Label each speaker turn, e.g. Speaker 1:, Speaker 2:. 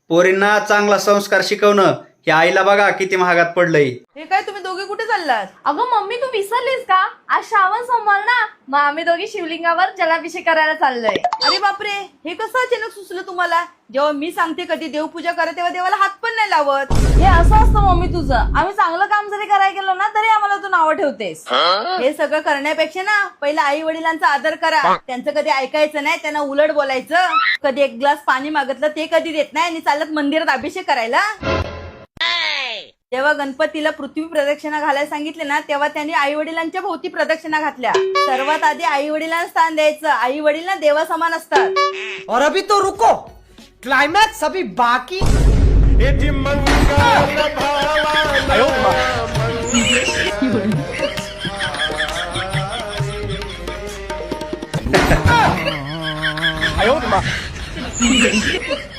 Speaker 1: पोरींना चांगला संस्कार शिकवणं हे आईला बघा किती महागात पडलंय.
Speaker 2: हे काय तुम्ही दोघे कुठे चाललात?
Speaker 3: अगं मम्मी तू विसरलीस का? आज श्रावण सोमवार ना, मग आम्ही दोघी शिवलिंगावर जलाभिषेक करायला चाललोय.
Speaker 2: अरे बापरे, हे कसं अचानक सुचलं तुम्हाला? जेव्हा मी सांगते कधी देवपूजा करा तेव्हा देवाला हात पण नाही लावत.
Speaker 3: हे असं असतं मम्मी तुझं. आम्ही चांगलं काम जरी करायला गेलो ना तरी आम्हाला तू नावं ठेवतेस.
Speaker 2: हे सगळं करण्यापेक्षा ना पहिला आई वडिलांचा आदर करा. त्यांचं कधी ऐकायचं नाही, त्यांना उलट बोलायचं. कधी एक ग्लास पाणी मागितलं ते कधी देत नाही आणि चालत मंदिरात अभिषेक करायला. जेव्हा गणपतीला पृथ्वी प्रदक्षिणा घालायला सांगितले ना तेव्हा त्यांनी आई वडिलांच्या भोवती प्रदक्षिणा घातल्या. सर्वात आधी आई वडिलांना स्थान द्यायचं. आई वडील ना देवासमान असतात.
Speaker 4: और अभी तो रुको, क्लाइमैक्स अभी बाकी.
Speaker 1: आयो